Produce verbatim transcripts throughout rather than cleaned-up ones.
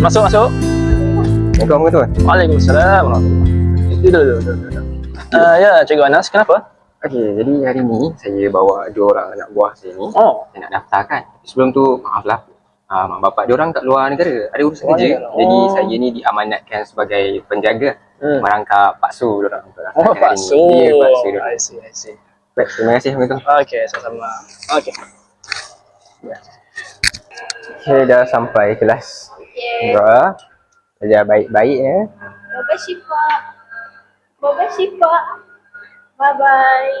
Masuk, masuk. Assalamualaikum tuan. Waalaikumsalam warahmatullahi wabarakatuh. Duduk, duduk, duduk, duduk. Uh, ya, Cikgu Anas, kenapa? Okey, jadi hari ni saya bawa dua orang anak buah saya ni. Oh. Saya nak daftarkan. Sebelum tu, maaflah. Uh, mak bapak dia orang kat luar negara. Ada urusan Luar kerja. negara. Jadi Oh. saya ni diamanatkan sebagai penjaga. Hmm. Merangkap Pak Su dia orang. untuk Oh, daftarkan Pak hari ni. Su. Ya, Pak Su dia orang. I see, I see. Baik, terima kasih Assalamualaikum. Okey, sama-sama. Okey. Saya dah sampai kelas. Okay. Dua. Belajar baik-baik ya. Bye-bye Syifa. Bye-bye Syifa. Bye-bye.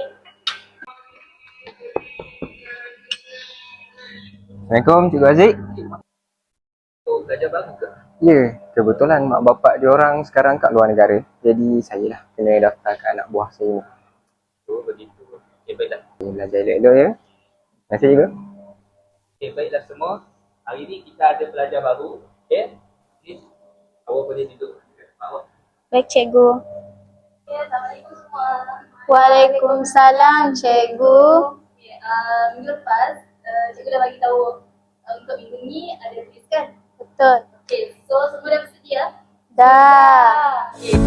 Assalamualaikum Cikgu Aziz. Oh, belajar baru ke? Ya, kebetulan mak bapak dia orang sekarang kat luar negara. Jadi saya lah kena daftarkan anak buah saya ni. Oh, begitu. Okay, baiklah. Okay, belajar elok-elok ya. Terima kasih juga. Okay, baiklah semua. Hari ni kita ada pelajar baru. Okay? Please, awak boleh duduk dekat bawah. Baik cikgu. Ya, Assalamualaikum semua. Waalaikumsalam cikgu. Okay, uh, minggu lepas uh, cikgu dah bagi tahu uh, untuk minggu ni ada quiz kan? Betul. Okay, so semua dah bersedia? Dah. Okay.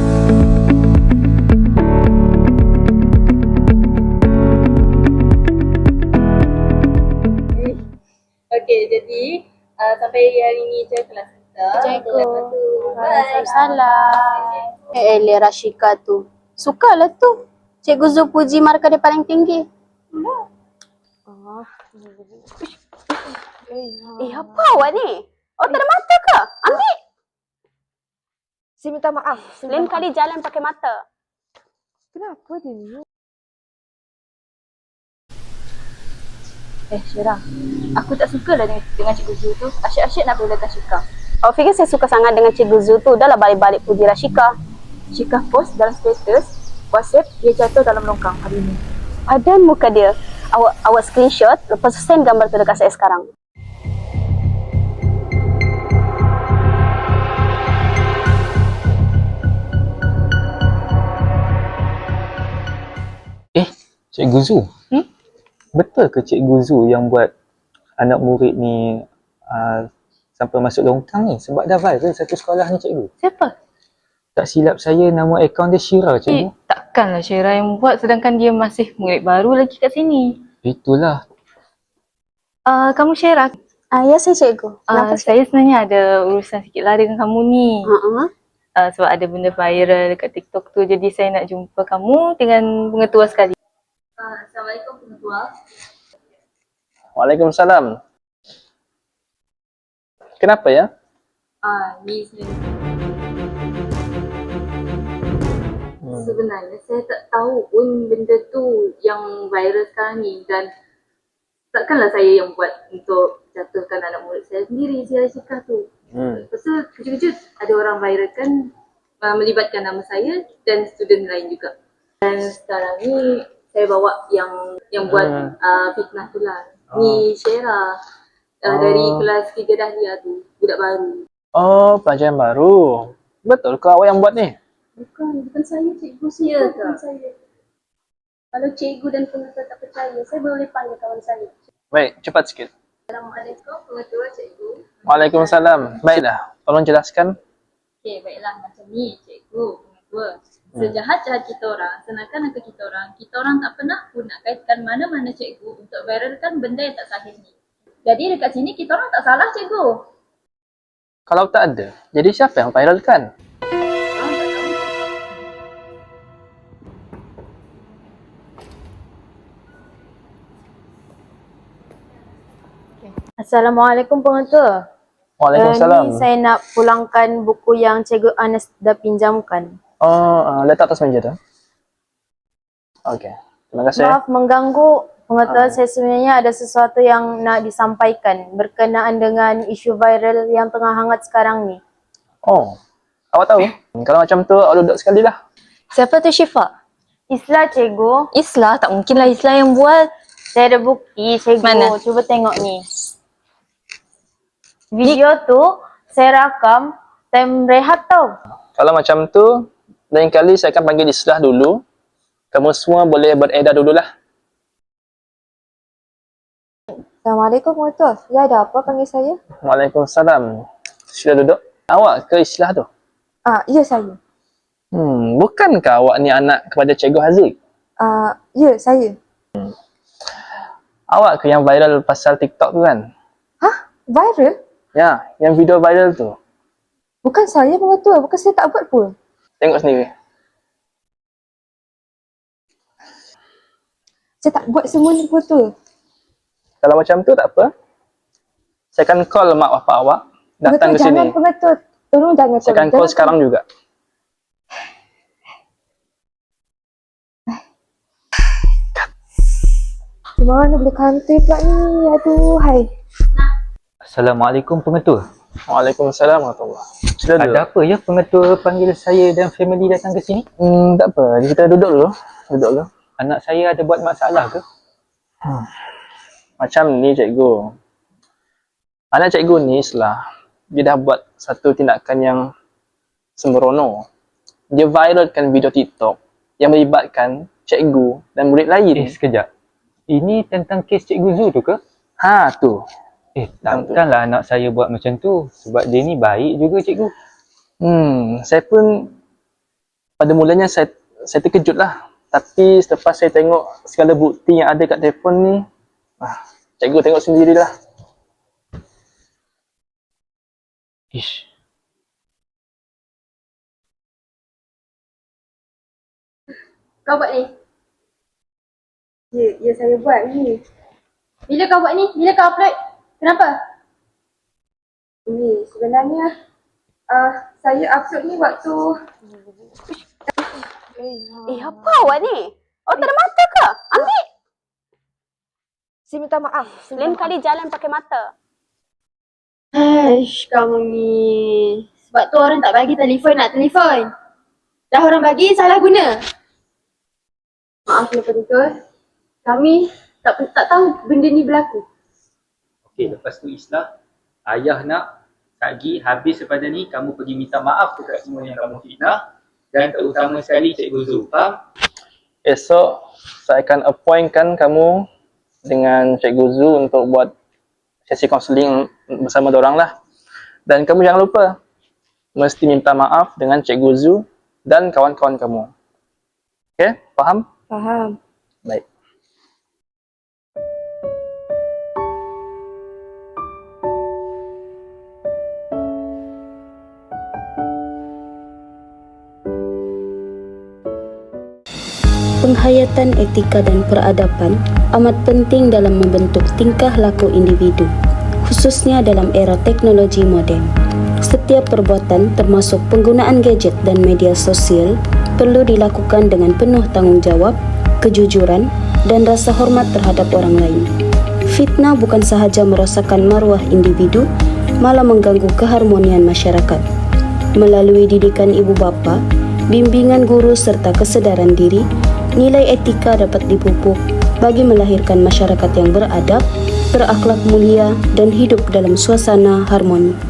Okay, jadi uh, sampai hari ni je kelas kita. Cikgu. Bye. Waalaikumsalam. Eh, Eli Rashika tu. Sukalah tu. Cikgu Zu puji markah dia paling tinggi. Oh. Eh, apa awak ni? Oh, tak ada mata ke? Ambil. Saya minta maaf. Saya Lain minta kali jalan pakai mata. maaf. Kenapa dia ni? Eh, Syirah. Aku tak suka lah dengan, dengan Cikgu Zu tu. Asyik-asyik nak belakan Syika. Awak fikir saya suka sangat dengan Cikgu Zu tu. Dah lah balik-balik puji Rashika. Syika post dalam status WhatsApp dia jatuh dalam longkang hari ni. Padan muka dia. Awak awak screenshot, lepas tu send gambar tu dekat saya sekarang. Eh, Cikgu Zu. Hmm? Betul ke Cikgu Zu yang buat anak murid ni uh, sampai masuk longkang ni? Sebab dah viral satu sekolah ni Cikgu. Siapa? Tak silap saya nama akaun dia Syira Eh, Cikgu. takkanlah Syirah yang buat sedangkan dia masih murid baru lagi kat sini. Itulah. Uh, kamu Syirah, Ah, ya saya cikgu. uh, Kenapa cikgu? saya sebenarnya ada urusan sikit lah dengan kamu ni. Uh-uh. Uh, sebab ada benda viral dekat TikTok tu. Jadi saya nak jumpa kamu dengan pengetua sekali. Uh, Assalamualaikum pengetua. Waalaikumsalam. Kenapa ya? Ah, ni sebenarnya. Hmm. Sebenarnya saya tak tahu pun benda tu yang viral sekarang ni dan takkanlah saya yang buat untuk jatuhkan anak murid saya sendiri, si Rashika tu. Hmm. Lepas tu kejut-kejut ada orang viralkan uh, melibatkan nama saya dan student lain juga. Dan sekarang ni saya bawa yang yang buat Hmm. uh, fitnah tu lah. Ni Syera uh, Oh. dari kelas tiga Dahlia tu, budak baru. Oh, pelajaran baru. Betul ke awak yang buat ni? Bukan, bukan saya cikgu. Saya Ya bukan ke? saya. Kalau cikgu dan pengetua tak percaya, saya boleh panggil kawan saya. Baik, cepat sikit. Assalamualaikum pengetua cikgu. Waalaikumsalam. Baiklah, tolong jelaskan. Okey, baiklah macam ni cikgu, pengetua. Sejahat-jahat kita orang, senakan-nakan kita orang, kita orang tak pernah pun nak kaitkan mana-mana cikgu untuk viralkan benda yang tak sahih ni. Jadi dekat sini kita orang tak salah cikgu. Kalau tak ada, jadi siapa yang viralkan? Orang tak tahu. Assalamualaikum pengetua. Waalaikumsalam. Uh, ni saya nak pulangkan buku yang Cikgu Anas dah pinjamkan. Oh, uh, letak atas meja tu. Okey. Terima kasih. Maaf mengganggu pengetua, Ah. saya sebenarnya ada sesuatu yang nak disampaikan berkenaan dengan isu viral yang tengah hangat sekarang ni. Oh, awak tahu? Kalau macam tu, awak duduk sekali lah. Siapa tu Syifa? Islah cikgu, Islah? Tak mungkinlah Islah yang buat. saya ada bukti cikgu. Mana? Cuba tengok ni. Video tu saya rakam time rehat tau. Kalau macam tu, lain kali saya akan panggil Islah dulu. Kamu semua boleh beredar dululah. Assalamualaikum pengetua. Ya ada apa panggil saya? Waalaikumsalam. Sudah duduk? Awak ke Islah tu? Ah, ya saya. Hmm, bukankah awak ni anak kepada Cikgu Haziq? Ah, ya saya. Awak ke yang viral pasal TikTok tu kan? Hah? Viral? Ya, yang video viral tu. Bukan saya pengetua, bukan saya tak buat pun. Tengok sendiri. Saya tak buat semua ni pengetua. Kalau macam tu tak apa. Saya akan call mak bapak awak datang ke Pengetua sini. jangan pengetua. Tolong jangan Saya akan call sekarang juga. Mana boleh kantor pula ni? Aduh, hai. Assalamualaikum pengetua. Waalaikumsalam warahmatullahi wabarakatuh. Sila duduk. Ada apa ya pengetua panggil saya dan family datang ke sini? Hmm, tak apa. Kita duduk dulu. Duduk dulu. Anak saya ada buat masalah ke? Hmm. Macam ni cikgu. Anak cikgu ni Islah, dia dah buat satu tindakan yang sembrono. Dia viralkan video TikTok yang melibatkan cikgu dan murid lain. Eh, sekejap. Ini tentang kes Cikgu Zu tu ke? Ha tu. Eh, takkanlah anak saya buat macam tu. Sebab dia ni baik juga cikgu. Hmm, saya pun pada mulanya saya saya terkejut lah. Tapi selepas saya tengok segala bukti yang ada kat telefon ni, ah, cikgu tengok sendirilah. Ish. Kau buat ni. Ya, ya saya buat ni. Bila kau buat ni? Bila kau upload? Kenapa? Ini sebenarnya ah saya upload ni waktu Eh, apa awak ni? Awak tak ada mata ke? Ambil. saya minta maaf. Saya Lain minta kali jalan pakai mata. Aish, kamu ni. Sebab tu orang tak bagi telefon nak telefon. Dah orang bagi, salah guna. Maaf ya penonton. Kami tak tak tahu benda ni berlaku. Okey, lepas tu Islah, ayah nak Kak habis daripada ni kamu pergi minta maaf kepada semua yang kamu fitnah dan terutama sekali Cikgu Zu. Faham? Esok saya akan appointkan kamu dengan Cikgu Zu untuk buat sesi kaunseling bersama dorang lah. Dan kamu jangan lupa mesti minta maaf dengan Cikgu Zu dan kawan-kawan kamu. Okey, faham? faham. Baik. Penghayatan etika dan peradaban amat penting dalam membentuk tingkah laku individu, khususnya dalam era teknologi moden. Setiap perbuatan termasuk penggunaan gadget dan media sosial perlu dilakukan dengan penuh tanggungjawab, kejujuran dan rasa hormat terhadap orang lain. Fitnah bukan sahaja merosakkan maruah individu, malah mengganggu keharmonian masyarakat. Melalui didikan ibu bapa, bimbingan guru serta kesedaran diri, nilai etika dapat dipupuk bagi melahirkan masyarakat yang beradab, berakhlak mulia dan hidup dalam suasana harmoni.